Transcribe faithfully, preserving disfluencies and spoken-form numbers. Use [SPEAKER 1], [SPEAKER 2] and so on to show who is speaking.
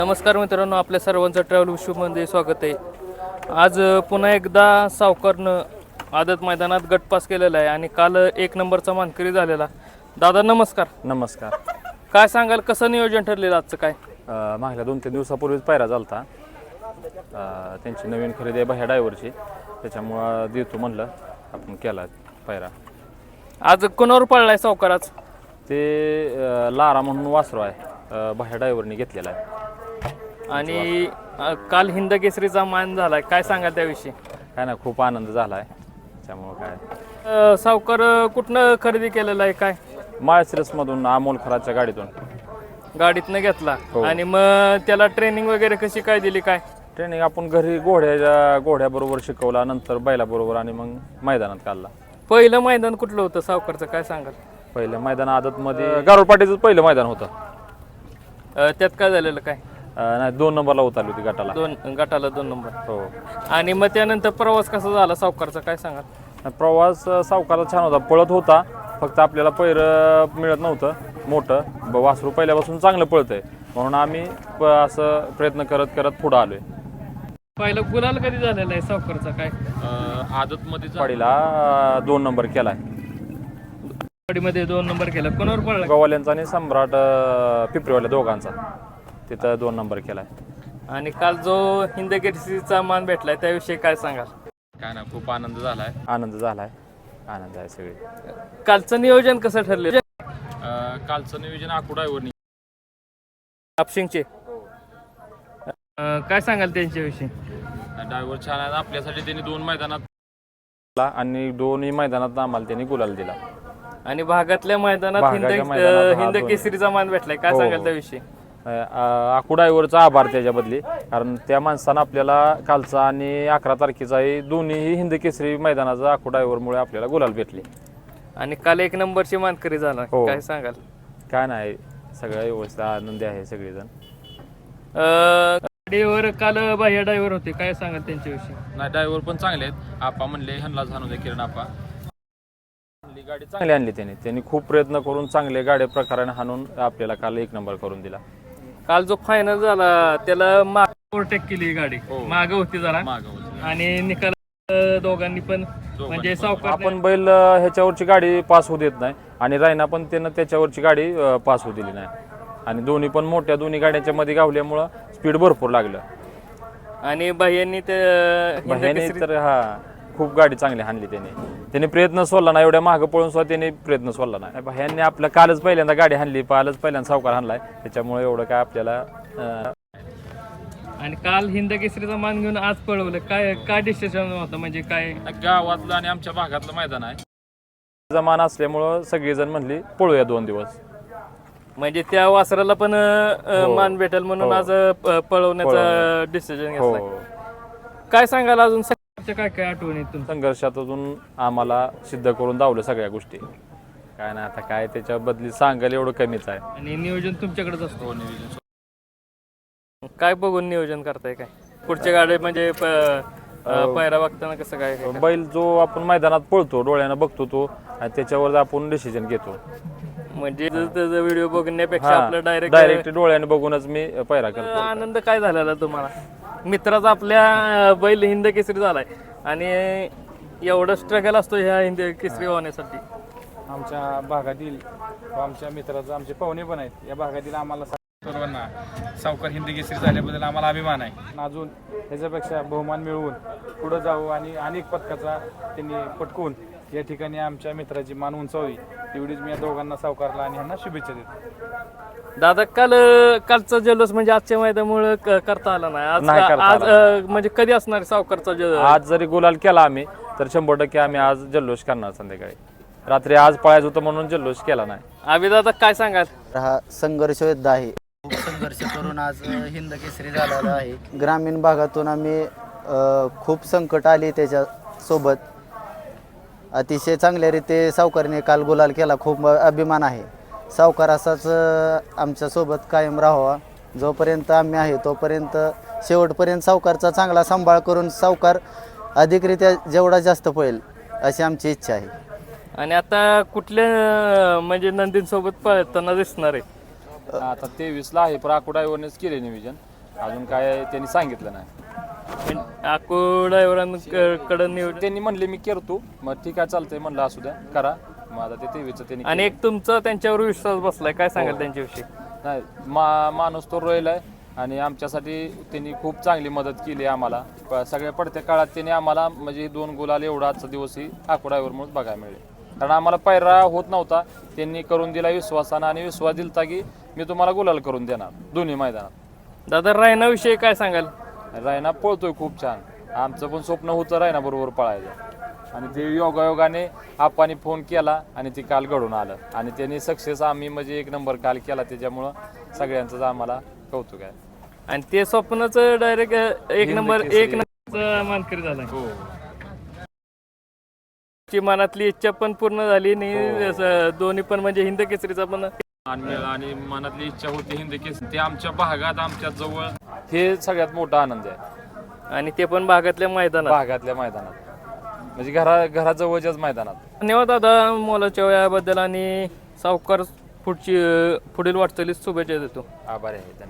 [SPEAKER 1] नमस्कार मित्रांनो, आपल्या सर्वांचं ट्रॅव्हल विश्वमध्ये स्वागत आहे. आज पुन्हा एकदा सावकारनं आदत मैदानात गटपास केलेला आहे आणि काल एक नंबरचा मानकरी झालेला. दादा नमस्कार.
[SPEAKER 2] नमस्कार.
[SPEAKER 1] काय सांगाल, कसं नियोजन ठरलेलं आजचं? काय
[SPEAKER 2] मागल्या दोन तीन दिवसापूर्वीच पायरा झालता. त्यांची नवीन खरेदी आहे बाह्या ड्रायव्हरची, त्याच्यामुळं देतो म्हणलं आपण केला पायरा.
[SPEAKER 1] आज कोणावर पडलाय सावकार? आज
[SPEAKER 2] ते लारा म्हणून वासरू आहे, बाह्या ड्रायव्हरने घेतलेला आहे.
[SPEAKER 1] आणि काल हिंद केसरीचा मान झालाय, काय सांगाल त्याविषयी?
[SPEAKER 2] काय ना, खूप आनंद झाला आहे. त्यामुळं काय
[SPEAKER 1] सावकार कुठनं खरेदी केलेलं आहे? काय
[SPEAKER 2] माळशिरसमधून अमोल खराच्या गाडीतून
[SPEAKER 1] गाडीतनं घेतला.
[SPEAKER 2] हो.
[SPEAKER 1] आणि मग त्याला ट्रेनिंग वगैरे कशी काय दिली? काय
[SPEAKER 2] ट्रेनिंग आपण घरी घोड्याच्या घोड्याबरोबर शिकवला, नंतर बैलाबरोबर आणि मग मैदानात काढला.
[SPEAKER 1] पहिलं मैदान कुठलं होतं सावकारचं, काय सांगाल?
[SPEAKER 2] पहिलं मैदान आदतमध्ये गारोपाटीचं पहिलं मैदान होतं.
[SPEAKER 1] त्यात काय झालेलं? काय
[SPEAKER 2] नाही, दोन नंबरला उतरली होती गटाला.
[SPEAKER 1] दोन गटाला दोन नंबर.
[SPEAKER 2] हो.
[SPEAKER 1] आणि मग त्यानंतर प्रवास कसा झाला सावकारचा, काय सांगाल?
[SPEAKER 2] प्रवास सावकारचा छान होता, पळत होता, फक्त आपल्याला पैर मिळत नव्हतं मोठं. ब वासरू पहिल्यापासून चांगलं पळतंय म्हणून आम्ही असं प्रयत्न करत करत पुढं आलोय.
[SPEAKER 1] पहिलं गुलाल कधी झालेला आहे सावकारचा? काय
[SPEAKER 2] आदतमध्ये पाडीला दोन नंबर केलाय.
[SPEAKER 1] मध्ये दोन नंबर केला. कोणावर पडला?
[SPEAKER 2] गवाल्यांचा आणि सम्राट पिपरीवाल्या दोघांचा, तिथं दोन नंबर केलाय.
[SPEAKER 1] आणि काल जो हिंद केसरीचा मान भेटलाय त्याविषयी काय सांगाल?
[SPEAKER 2] काय ना, खूप आनंद झालाय. आनंद झालाय आनंद आहे सगळे.
[SPEAKER 1] कालचं नियोजन कसं ठरलं?
[SPEAKER 2] कालचं नियोजन आखू ड्रायव्हरनी
[SPEAKER 1] आपशिंगचे. काय सांगाल त्यांच्याविषयी?
[SPEAKER 2] ड्रायव्हर छान आहे. आपल्यासाठी त्यांनी दोन मैदानात आणि दोन्ही मैदानात आम्हाला त्यांनी गुलाल दिला.
[SPEAKER 1] आणि भागातल्या मैदानात हिंद हिंद केसरीचा मान भेटलाय, काय सांगाल त्याविषयी?
[SPEAKER 2] आखू ड्रायव्हरचा आभार त्याच्याबद्दली, कारण त्या माणसानं आपल्याला कालचा आणि अकरा तारखेचाही दोन्ही हिंद केसरी मैदानाचा आखू ड्रायव्हरमुळे आपल्याला गुलाल भेटले.
[SPEAKER 1] आणि काल एक नंबरची मानकरी झाला, काय सांगाल?
[SPEAKER 2] काय नाही, सगळ्या व्यवस्था आनंदी आहे सगळेजण.
[SPEAKER 1] गाडीवर काल बाह्य ड्रायव्हर होते, काय सांगाल त्यांच्याविषयी?
[SPEAKER 2] नाही, ड्रायव्हर पण चांगले आहेत. आपा म्हणले ह्यांना जाणू दे, किरण आपा गाडी चांगली आणली त्यांनी त्यांनी खूप प्रयत्न करून चांगले गाड्या प्रकाराने हाणून आपल्याला काल एक नंबर करून दिला.
[SPEAKER 1] काल जो फायनल झाला त्याला माग ओव्हरटेक केली गाडी, माग होती जरा, आणि निकाल दोघांनी पण म्हणजे सावकार
[SPEAKER 2] आपण बैल ह्याच्यावरची गाडी पास होऊ देत नाही आणि रायना पण त्यानं त्याच्यावरची गाडी पास होऊ दिली नाही. आणि दोन्ही पण मोठ्या दोन्ही गाड्यांच्या मध्ये गावल्यामुळं स्पीड भरपूर लागलं.
[SPEAKER 1] आणि बाह्यांनी ते
[SPEAKER 2] तर हा खूप गाडी चांगली हाणली त्याने त्याने प्रयत्न सोडला नाही. एवढ्या मागं पळून सुद्धा त्याने प्रयत्न सोडला नाही. ह्यांनी आपल्या कालच पहिल्यांदा गाडी हाणली, कालच पहिल्यांदा सावकार हाणलाय, त्याच्यामुळे एवढं काय आपल्याला.
[SPEAKER 1] आणि काल हिंद केसरीचा मान घेऊन आज पळवलं, काय काय डिसिजन होतं? म्हणजे काय
[SPEAKER 2] गावातलं आणि आमच्या भागातलं मैदान आहे, मान असल्यामुळं सगळेजण म्हणली पळूया दोन दिवस,
[SPEAKER 1] म्हणजे त्या वासराला पण मान भेटेल म्हणून आज पळवण्याचा डिसिजन घेतला. काय सांगाल अजून काय काय आठवणीतून?
[SPEAKER 2] संघर्षातून आम्हाला सिद्ध करून दावलं सगळ्या गोष्टी. काय नाही, आता काय त्याच्या बदली सांगायला एवढं कमीच आहे.
[SPEAKER 1] आणि नियोजन तुमच्याकडेच असतो? नियोजन काय बघून नियोजन करताय? काय पुढच्या गाडी म्हणजे पायरा बघताना कसं काय?
[SPEAKER 2] बैल जो आपण मैदानात पळतो, डोळ्यानं बघतो तो, आणि त्याच्यावर आपण डिसिजन घेतो.
[SPEAKER 1] म्हणजे त्याचा व्हिडिओ बघण्यापेक्षा आपलं डायरेक्ट
[SPEAKER 2] डायरेक्ट डोळ्याने बघूनच मी पायरा करतो.
[SPEAKER 1] आनंद काय झालेला तुम्हाला? मित्राचा आपल्या बैल हिंद केसरी झालाय आणि एवढं स्ट्रगल असतो ह्या हिंद केसरी होण्यासाठी.
[SPEAKER 3] आमच्या भागातील आमच्या मित्राचं आमचे पाहुणे पण आहेत या भागातील, आम्हाला सर्वांना सावकार हिंद केसरी झाल्याबद्दल आम्हाला अभिमान आहे. अजून त्याच्यापेक्षा बहुमान मिळवून पुढं जाऊ आणि अनेक पदकाचा त्यांनी पटकवून या ठिकाणी आमच्या मित्राची मान उंचावी, एवढीच मी या दोघांना सावकारला आणि ह्यांना शुभेच्छा देतो.
[SPEAKER 1] दादा, काल कालचा जल्लोष म्हणजे आजच्या मैदानामुळे करता आला नाही.
[SPEAKER 2] नाही
[SPEAKER 1] आज
[SPEAKER 2] करता
[SPEAKER 1] आज
[SPEAKER 2] आला.
[SPEAKER 1] म्हणजे कधी असणार सावकारचा जल्लोष?
[SPEAKER 2] आज जरी गुलाल केला आम्ही तर शंभर टक्के आम्ही आज जल्लोष करणार. संध्याकाळी रात्री आज पळायचं होतं म्हणून जल्लोष केला नाही.
[SPEAKER 1] आम्ही दादा काय सांगाल?
[SPEAKER 4] हा संघर्ष योद्धा आहे, खूप संघर्ष करून आज हिंद केसरी झालेला आहे. ग्रामीण भागातून आम्ही खूप संकट आली त्याच्या सोबत, अतिशय चांगल्या रीते सावकारने काल गुलाल केला. खूप अभिमान आहे. सावकार असाच आमच्या सोबत कायम राहावा, जोपर्यंत आम्ही आहे तोपर्यंत शेवटपर्यंत सावकारचा चांगला सांभाळ करून सावकार अधिकरित्या जेवढा जास्त पळेल अशी आमची इच्छा आहे.
[SPEAKER 1] आणि आता कुठल्या म्हणजे नंदीन सोबत पळताना दिसणार आहे?
[SPEAKER 2] आता तेवीस ला आहे, पण आकुडाईवरच केले नियोजन. अजून काय त्यांनी सांगितलं नाही.
[SPEAKER 1] आकू ड्रायव्हरांकडं निवड
[SPEAKER 2] त्यांनी म्हणले मी करतो, मग ठीक आहे चालतंय म्हणलं, असू द्या करा. मग आता ते तेवीचं त्यांनी
[SPEAKER 1] आणि एक तुमचा त्यांच्यावर विश्वास बसलाय, काय सांगाल त्यांच्याविषयी?
[SPEAKER 2] नाही मा माणूस तो रोयल आहे आणि आमच्यासाठी त्यांनी खूप चांगली मदत केली आम्हाला. प- सगळ्या पडत्या काळात त्यांनी आम्हाला म्हणजे दोन गुलाल एवढा आजचा दिवसही आकू ड्रायव्हरमुळेच बघायला मिळेल. कारण आम्हाला पायरा होत नव्हता, त्यांनी करून दिला विश्वासानं आणि विश्वास दिलता की मी तुम्हाला गुलाल करून देणार दोन्ही मैदानात.
[SPEAKER 1] दादा रायनाविषयी काय सांगाल?
[SPEAKER 2] रायना पळतोय खूप छान. आमचं पण स्वप्न होतं रायना बरोबर पळायचं आणि ते योगायोगाने आपाने फोन केला आणि ते काल घडून आलं आणि त्यांनी सक्सेस आम्ही म्हणजे एक नंबर काल केला. त्याच्यामुळं सगळ्यांचंच आम्हाला कौतुक आहे.
[SPEAKER 1] आणि ते स्वप्नच डायरेक्ट एक नंबर एक नंबर मानकरी झाला.
[SPEAKER 2] हो
[SPEAKER 1] ची मनातली इच्छा पण पूर्ण झाली आणि असं दोन्ही पण म्हणजे हिंद केसरीचा पण
[SPEAKER 2] आणि आणि मनातली इच्छा होती हिंद केस ते आमच्या भागात आमच्या जवळ, हे सगळ्यात मोठा आनंद आहे.
[SPEAKER 1] आणि ते पण भागातल्या मैदानात
[SPEAKER 2] भागातल्या मैदानात म्हणजे घरा घराजवळच्याच मैदानात.
[SPEAKER 1] धन्यवाद दादा मोलाच्या वेळाबद्दल आणि सावकार पुढची पुढील वाटचालीस शुभेच्छा देतो.
[SPEAKER 2] आभार आहे.